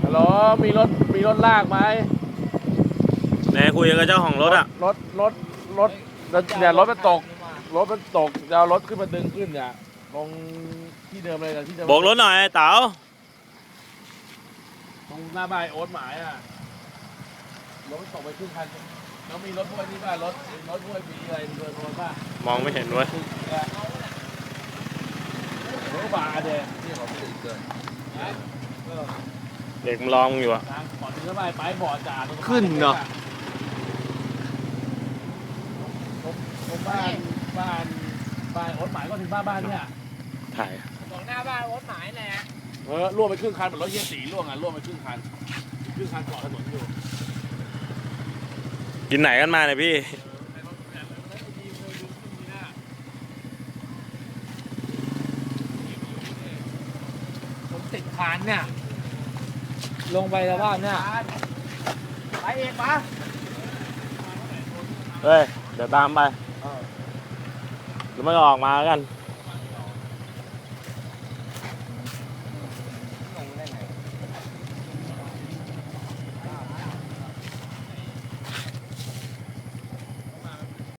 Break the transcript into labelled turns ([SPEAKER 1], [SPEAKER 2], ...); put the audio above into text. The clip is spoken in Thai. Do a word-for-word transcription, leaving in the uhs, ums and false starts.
[SPEAKER 1] ฮัลโหลมีรถมีรถลากไหม
[SPEAKER 2] ไหนคุยกับเจ้าของรถอ่ะ
[SPEAKER 1] รถรถรถเนี่ยรถมันตกรถมันตกจะเอารถขึ้นมาดึงขึ้นเนี่ยตรงที่เดิมเลยนะที่เดิม
[SPEAKER 2] โบกรถหน่อยเต๋า
[SPEAKER 1] ตรงหน้าบ้านโอ๊ตหมายอ่ะรถมันตกไปครึ่งคันแล้วมีรถพวกนี้ป่ะรถรถพวกมีอะไรมีเบอร์โทรป่ะ
[SPEAKER 2] มองไม่เห็นเว้ย
[SPEAKER 1] รถบาเดนที่เขาไม่ได้เกิน
[SPEAKER 2] เด็กมันรอมึงอยู่อ่ะ
[SPEAKER 1] ทางขอถึงเข้าไปไปบ่อจ่า
[SPEAKER 2] ขึ้นเนาะ
[SPEAKER 1] ผมบ้านบ้านบ้านโอ๊ตหมายก็ถึงบ้านบ้านเนี่ย
[SPEAKER 2] ถ่าย
[SPEAKER 3] ของหน้าบ้านรถหมายแหละ
[SPEAKER 1] เออล่วงไปครึ่งคันเหมือนรถเยี่ยสีล่วงอ่ะล่วงไปครึ่งคันครึ่งคันเกาะถนนอยู่
[SPEAKER 2] กินไหนกันมาเนี่ยพี่
[SPEAKER 3] ผมติดคานเนี่ยลงไปแล้วบ้านเนี่ยไปเองปะ
[SPEAKER 2] เฮ้ยเดี๋ยวตามไปแล้วมันก็ออกมากัน